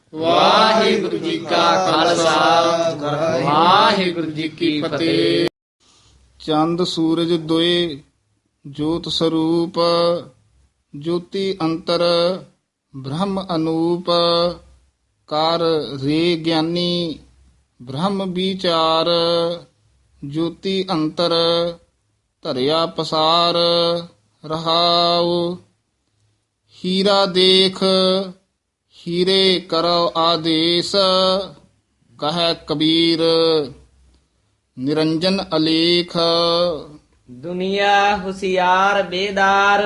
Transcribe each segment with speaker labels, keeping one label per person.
Speaker 1: ਵਾਹਿਗੁਰੂ ਜੀ ਕਾ ਖਾਲਸਾ ਵਾਹਿਗੁਰੂ ਜੀ ਕੀ ਫਤਿਹ।
Speaker 2: ਚੰਦ ਸੂਰਜ ਦੋਏ ਜੋਤ ਸਰੂਪ, ਜੋਤੀ ਅੰਤਰ ਬ੍ਰਹਮ ਅਨੂਪ। ਕਰ ਰੇ ਗਿਆਨੀ ਬ੍ਰਹਮ ਵਿਚਾਰ, ਜੋਤੀ ਅੰਤਰ ਧਰਿਆ ਪਸਾਰ। ਰਹਾਉ ਹੀਰਾ ਦੇਖ ਹੀਰੇ ਕਰੋ ਆਦੇਸ਼, ਕਹੈ ਕਬੀਰ ਨਿਰੰਜਨ ਅਲੇਖ।
Speaker 3: ਦੁਨੀਆ ਹੁਸ਼ਿਆਰ ਬੇਦਾਰ,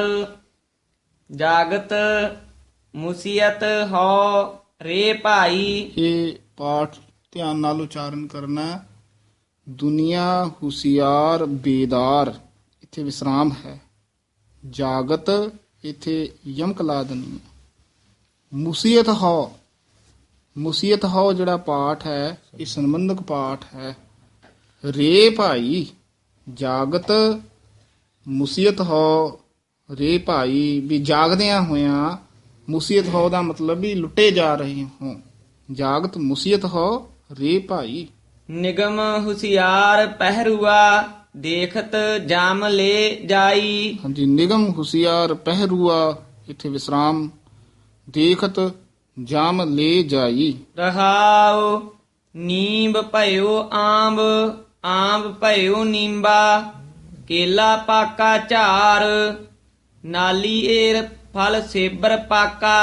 Speaker 3: ਜਾਗਤ ਮੁਸੀਅਤ ਹੋ ਰੇ ਭਾਈ।
Speaker 2: ਇਹ ਪਾਠ ਧਿਆਨ ਨਾਲ ਉਚਾਰਨ ਕਰਨਾ ਹੈ। ਦੁਨੀਆ ਹੁਸ਼ਿਆਰ ਬੇਦਾਰ, ਇੱਥੇ ਵਿਸਰਾਮ ਹੈ। ਜਾਗਤ, ਇੱਥੇ ਯਮਕ ਲਾ ਦੇਣੀ ਹੈ। ਮੁਸੀਅਤ ਹੋ, ਮੁਸੀਅਤ ਹੋ ਜਿਹੜਾ ਪਾਠ ਹੈ ਇਹ ਸੰਬੰਧਕ ਪਾਠ ਹੈ। ਰੇ ਭਾਈ, ਜਾਗਤ ਮੁਸੀਅਤ ਹੋ ਰੇ ਭਾਈ, ਵੀ ਜਾਗਦਿਆਂ ਹੋਇਆਂ। ਮੁਸੀਅਤ ਹੋ ਦਾ ਮਤਲਬ ਵੀ ਲੁੱਟੇ ਜਾ ਰਹੇ ਹੋ। ਜਾਗਤ ਮੁਸੀਅਤ ਹੋ ਰੇ ਭਾਈ।
Speaker 3: ਨਿਗਮ ਹੁਸ਼ਿਆਰ ਪਹਿਰੂਆ, ਦੇਖਤ ਜਾਮ ਲੈ ਜਾਈ।
Speaker 2: ਹਾਂਜੀ, ਨਿਗਮ ਹੁਸ਼ਿਆਰ ਪਹਿਰੂਆ, ਇੱਥੇ ਵਿਸਰਾਮ। ਦੇਖਤ ਜਾਮ ਲੈ ਜਾਈ।
Speaker 3: ਰਹਾਉ ਨੀਂਬ ਭਇਓ ਆਂਬ, ਆਂਬ ਭਇਓ ਨੀਂਬਾ। ਕੇਲਾ ਪਾਕਾ ਝਾਰ, ਨਾਲੀ ਏਰ ਫਲ ਸੇਬਰ ਪਾਕਾ।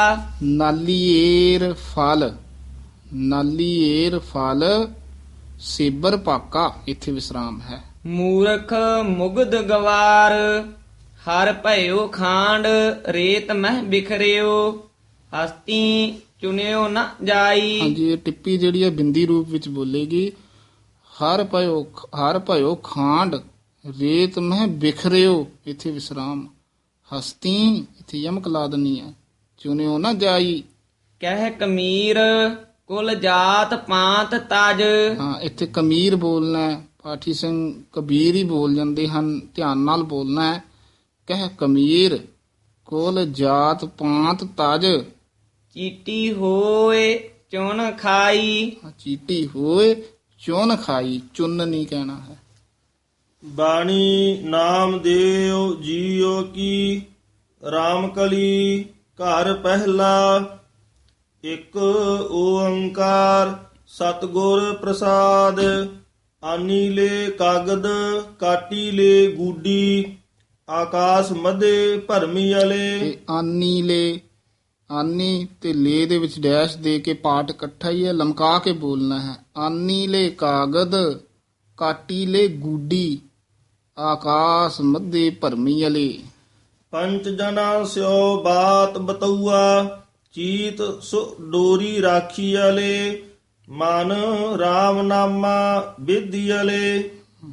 Speaker 2: ਨਾਲੀਏਰ ਫਲ, ਨਾਲੀਏਰ ਫਲ ਸੇਬਰ ਪਾਕਾ, ਇੱਥੇ ਵਿਸਰਾਮ ਹੈ।
Speaker 3: ਮੂਰਖ ਮੁਗਧ ਗਵਾਰ, ਹਰ ਭਇਓ ਖਾਂਡ। ਰੇਤ ਮਹਿ ਬਿਖਰਿਓ, ਹਸਤੀ ਚੁਣਿਓ ਨ ਜਾਈ।
Speaker 2: ਹਾਂਜੀ, ਇਹ ਟਿੱਪੀ ਜਿਹੜੀ ਹੈ ਬਿੰਦੀ ਰੂਪ ਵਿੱਚ ਬੋਲੇਗੀ। ਹਰ ਭਇਓ ਖਾਂਡ, ਰੇਤ ਮਹਿ ਬਿਖਰਿਓ, ਇੱਥੇ ਵਿਸਰਾਮ। ਹਸਤੀ, ਇੱਥੇ ਯਮਕ ਲਾ ਦੇਣੀ ਹੈ। ਚੁਣਿਓ ਨਾ ਜਾਈ।
Speaker 3: ਕਹਿ ਕਮੀਰ ਕੁਲ ਜਾਤ ਪਾਂਤ ਤਜ।
Speaker 2: ਹਾਂ, ਇੱਥੇ ਕਮੀਰ ਬੋਲਣਾ ਹੈ। ਪਾਠੀ ਸਿੰਘ ਕਬੀਰ ਹੀ ਬੋਲ ਜਾਂਦੇ ਹਨ, ਧਿਆਨ ਨਾਲ ਬੋਲਣਾ ਹੈ। ਕਹਿ ਕਮੀਰ ਕੁਲ ਜਾਤ ਪਾਂਤ ਤਜ।
Speaker 3: ਚੀਟੀ ਹੋਏ ਚੁਣ ਖਾਈ।
Speaker 2: ਚੀਟੀ ਹੋਏ ਚੁਨ ਖਾਈ, ਚੁੰਨ ਨਹੀਂ ਕਹਿਣਾ ਹੈ।
Speaker 4: ਬਾਣੀ ਨਾਮ ਦੇਉ ਜੀਉ ਕੀ, RAM ਕਲੀ ਘਰ ਪਹਿਲਾ। ਇੱਕ ਓੰਕਾਰ ਸਤਿਗੁਰ ਪ੍ਰਸਾਦ, ਆਨੀ ਲੈ ਕਾਗਦ ਕਾਟੀ ਲੈ ਗੂਡੀ। ਆਕਾਸ ਮਧੇ ਭਰਮੀ ਅਲੇ।
Speaker 2: ਇਹ ਆਨੀ ਲੈ, ਆਨੀ ਤੇ ਲੈ ਦੇ ਵਿੱਚ ਡੈਸ਼ ਦੇ ਕੇ ਪਾਠ ਇਕੱਠਾ ਹੀ ਹੈ, ਲਮਕਾ ਕੇ ਬੋਲਣਾ ਹੈ। ਆਨੀ ਲੈ ਕਾਗਦ ਕਾਟੀ ਲੈ ਗੂਡੀ, ਆਕਾਸ ਮਧੇ ਭਰਮੀ ਅਲੇ।
Speaker 4: ਪੰਚ ਜਨਾ ਸਿਓ ਬਾਤ ਬਤਉਆ, ਚੀਤ ਸੁ ਡੋਰੀ ਰਾਖੀ ਅਲੇ। ਮਨ RAM ਨਾਮਾ ਵਿਧੀ ਅਲੇ।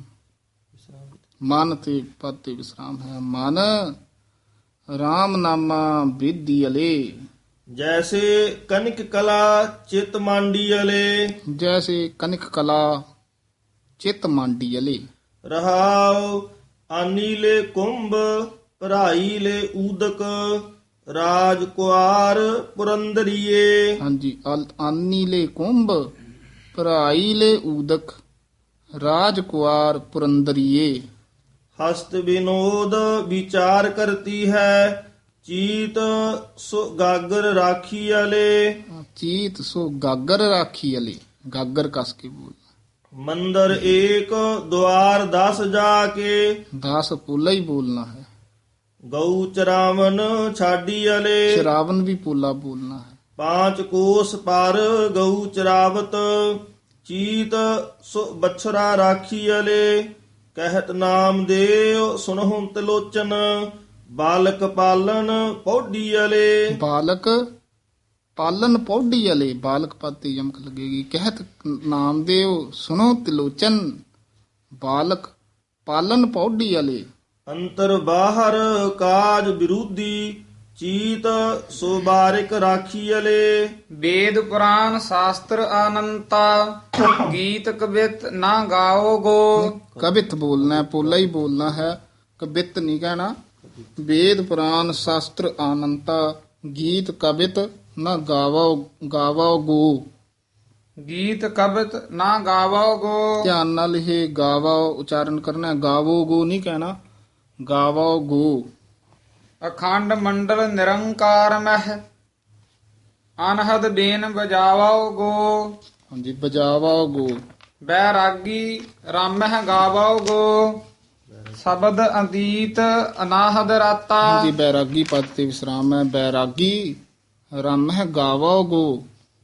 Speaker 2: ਮਨ ਤੇ ਪਦ ਤੇ ਵਿਸਰਾਮ ਹੈ। ਮਨ RAM ਨਾਮਾ ਵਿਧੀ ਅਲੇ।
Speaker 4: ਜੈਸੇ ਕਨਿਕ ਕਲਾ ਚਿਤ ਮਾਂਡੀ ਅਲੇ।
Speaker 2: ਜੈਸੇ ਕਨਿਕ ਕਲਾ ਚਿਤ ਮਾਂਡੀ ਅਲੇ।
Speaker 4: ਰਹਾਉ ਆਨੀ ਲੈ ਕੁੰਭ ਭਰਾਈ ਲੈ ਊਦਕ। ਰਾਜ ਕੁਆਰ ਪੁਰੰਦਰੀਏ।
Speaker 2: ਹਾਂਜੀ, ਆਨੀ ਲੈ ਕੁੰਭ ਭਰਾਈ ਲੈ ਊਦਕ। ਰਾਜ ਕੁਆਰ ਪੁਰੰਦਰੀਏ।
Speaker 4: ਹਸਤ ਵਿਨੋਦ ਵਿਚਾਰ ਕਰਤੀ ਹੈ, ਚੀਤ ਸੋ ਗਾਗਰ ਰਾਖੀ ਅਲੇ।
Speaker 2: ਚੀਤ ਸੋ ਗਾਗਰ ਰਾਖੀ ਅਲੇ, ਗਾਗਰ ਕਸ ਕੇ ਬੋਲ।
Speaker 4: ਮੰਦਰ ਏਕ ਦੁਆਰ 10 ਜਾ ਕੇ।
Speaker 2: 10 ਪੋਲਾ ਹੀ ਬੋਲਣਾ ਹੈ।
Speaker 4: ਗਊ ਚਰਾਵਨ ਛਾਡੀ ਅਲੇ।
Speaker 2: ਸ਼ਰਾਵਨ ਵੀ ਪੋਲਾ ਬੋਲਣਾ ਹੈ।
Speaker 4: 5 ਕੋਸ ਪਰ ਗਊ ਚਰਾਵਤ। ਚੀਤ ਸੋ ਬਛਰਾ ਰਾਖੀ ਅਲੇ। ਕਹਿਤ ਨਾਮ ਦੇਉ ਸੁਨਹੁ ਤਿਲੋਚਨ। ਬਾਲਕ ਪਾਲਨ ਪੌਡੀ ਅਲੇ।
Speaker 2: ਬਾਲਕ ਪਾਲਨ ਪੌਡੀ ਅਲੇ, ਬਾਲਕ ਪਦ ਤੇ ਯਮਕ ਲੱਗੇਗੀ। ਕਹਿਤ ਨਾਮ ਦੇਉ ਸੁਨੋ ਤਿਲੋਚਨ, ਬਾਲਕ ਪਾਲਨ ਪੌਡੀ ਅਲੇ।
Speaker 4: ਅੰਤਰ ਬਾਹਰ ਕਾਜ ਵਿਰੋਧੀ। ਚੀਤ ਸੋ ਬਾਰਿਕ ਰਾਖੀ ਅਲੇ।
Speaker 1: ਵੇਦ ਪੁਰਾਨ ਸ਼ਾਸਤਰ ਅਨੰਤਾ, ਗੀਤ ਕਵਿਤ ਨਾ ਗਾਓ ਗੋ।
Speaker 2: ਕਵਿਤ ਬੋਲਣਾ ਹੈ, ਪੋਲਾ ਹੀ ਬੋਲਣਾ ਹੈ, ਕਵਿਤ ਨਹੀਂ ਕਹਿਣਾ। ਵੇਦ ਪੁਰਾਨ ਸ਼ਾਸਤਰ ਅਨੰਤਾ, ਗੀਤ ਕਵਿਤ ਨਾ ਗਾਵੋ ਗਾਵੋ ਗੋ।
Speaker 1: ਗੀਤ ਕਬਿਤ ਨਾ ਗਾਵੋ ਗੋ।
Speaker 2: ਧਿਆਨ ਨਾਲ ਇਹ ਗਾਵੋ ਉਚਾਰਨ ਕਰਨਾ ਹੈ, ਗਾਵੋ ਗੋ ਨਹੀਂ ਕਹਿਣਾ, ਗਾਵੋ ਗੋ।
Speaker 1: ਅਖੰਡ ਮੰਡਲ ਨਿਰੰਕਾਰ ਮਹਿ ਅਨਹਦ ਬੇਨ ਬਜਾਵੋ ਗੋ।
Speaker 2: ਹਾਂਜੀ, ਬਜਾਵੋ ਗੋ।
Speaker 1: ਬੈਰਾਗੀ ਰਾਮਹਿ ਗਾਵੋ ਗੋ। ਸ਼ਬਦ ਅਤੀਤ ਅਨਾਹਦ ਰਾਤਾ।
Speaker 2: ਹਾਂਜੀ, ਬੈਰਾਗੀ ਪਦ ਤੇ ਵਿਸਰਾਮ ਹੈ। ਬੈਰਾਗੀ ਰਮ ਹੈ ਗਾਵੋ ਗੋ।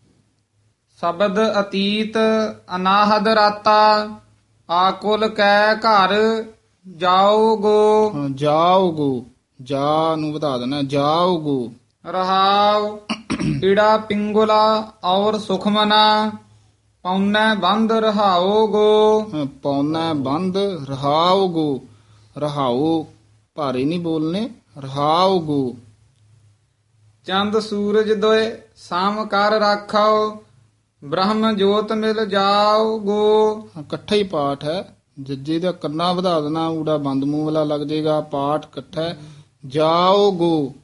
Speaker 1: ਸ਼ਬਦ ਅਤੀਤ ਅਨਾਹਦ ਰਾਤਾ। ਆਕੁਲ ਕੈ ਘਰ ਜਾਓ ਗੋ।
Speaker 2: ਹਾਂ, ਜਾਓ ਗੋ, ਜਾ ਨੂੰ ਵਧਾ ਦੇਣਾ, ਜਾਓ ਗੋ।
Speaker 1: ਰਹਾਉ ਈੜਾ ਪਿੰਗੁਲਾ ਔਰ ਸੁਖਮਨਾ। ਪੌਨੈ ਬੰਦ ਰਹਾਓ ਗੋ।
Speaker 2: ਹਾਂ, ਪੌਣਾ ਬੰਦ ਰਹਾਓ ਗੋ। ਰਹਾਓ ਭਾਰੇ ਨਹੀਂ ਬੋਲਨੇ, ਰਹਾਓ ਗੋ।
Speaker 1: ਚੰਦ ਸੂਰਜ ਦੋਏ ਸਾਮ ਕਰ ਰਾਖੋ। ਬ੍ਰਹਮ ਜੋਤ ਮਿਲ ਜਾਓ ਗੋ।
Speaker 2: ਹਾਂ, ਇਕੱਠਾ ਹੀ ਪਾਠ ਹੈ। ਜੱਜੇ ਦਾ ਕੰਨਾ ਵਧਾ ਦੇਣਾ, ਊੜਾ ਬੰਦ ਮੂੰਹ ਵਾਲਾ ਲੱਗ ਜਾਏਗਾ। ਪਾਠ ਇਕੱਠਾ ਹੈ। ਜਾਓ ਗੋ।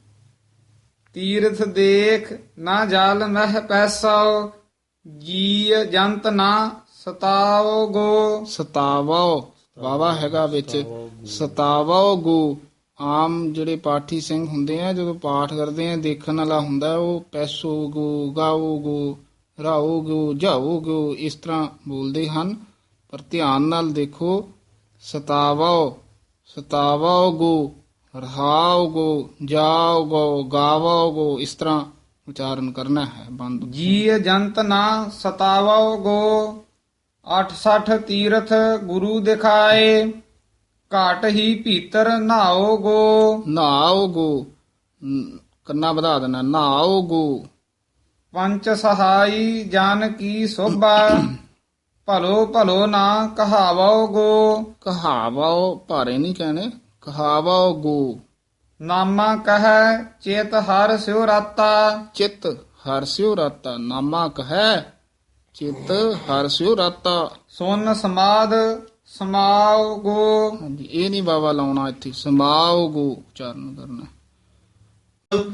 Speaker 1: ਤੀਰਥ ਦੇਖ ਨਾ ਜਲ ਮਹਿ ਪੈਸੋ। ਜੀ ਜੰਤ ਨਾ ਸਤਾਓ ਗੋ।
Speaker 2: ਸਤਾਵੋ ਵਾਵਾ ਹੈਗਾ ਵਿੱਚ, ਸਤਾਵੋ ਗੋ। ਆਮ ਜਿਹੜੇ ਪਾਠੀ ਸਿੰਘ ਹੁੰਦੇ ਆ, ਜਦੋਂ ਪਾਠ ਕਰਦੇ ਆ, ਦੇਖਣ ਵਾਲਾ ਹੁੰਦਾ, ਉਹ ਪੈਸੋ ਗੋ, ਗਾਓ ਗੋ, ਰਾਓ ਗੋ, ਜਾਓ ਗੋ, ਇਸ ਤਰ੍ਹਾਂ ਬੋਲਦੇ ਹਨ। ਪਰ ਧਿਆਨ ਨਾਲ ਦੇਖੋ, ਸਤਾਵੋ, ਸਤਾਵੋ ਗੋ, ਰਹਾਓ ਗੋ, ਜਾਓ ਗੋ, ਗਾਵੋ ਗੋ, ਇਸ ਤਰ੍ਹਾਂ ਉਚਾਰਨ ਕਰਨਾ ਹੈ। ਬੰਦ
Speaker 1: ਜੀ ਜੰਤ ਨਾ ਸਤਾਵੋ ਗੋ। 68 ਤੀਰਥ ਗੁਰੂ ਦਿਖਾਏ। ਘਾਟ ਹੀ ਭੀਤਰ ਨਹਾਓ ਗੋ।
Speaker 2: ਨਹਾਓ ਗੋ, ਕੰਨਾ ਵਧਾ ਦੇਣਾ, ਨਹਾਓ ਗੋ।
Speaker 1: ਪੰਚ ਸਹਾਈ ਜਨ ਕੀ ਸੋਭਾ। ਭਲੋ ਭਲੋ ਨਾ ਕਹਾਵੋ ਗੋ।
Speaker 2: ਕਹਾਵੋ ਭਾਰੇ ਨਹੀਂ ਕਹਿਣੇ, ਕਹਾਵੋ ਗੋ।
Speaker 1: ਨਾਮਾ ਕਹੈ ਚੇਤ ਹਰ ਸਿਉ ਰਾਤਾ।
Speaker 2: ਚਿਤ ਹਰ ਸਿਉ ਰਾਤਾ। ਨਾਮਾ ਕਹੈ ਚਿਤ ਹਰ ਸਿਉ ਰਾਤਾ।
Speaker 1: ਸੁਨ ਸਮਾਦ ਸਮਾਓ ਗੋ।
Speaker 2: ਹਾਂਜੀ, ਇਹ ਨਹੀਂ ਬਾਵਾ ਲਾਉਣਾ, ਇੱਥੇ ਸਮਾਓ ਗੋ ਉਚਾਰਨ ਕਰਨਾ।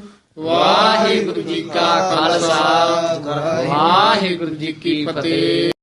Speaker 3: ਵਾਹਿਗੁਰੂ ਜੀ ਕਾ ਖਾਲਸਾ ਵਾਹਿਗੁਰੂ ਜੀ ਕੀ ਫਤਿਹ।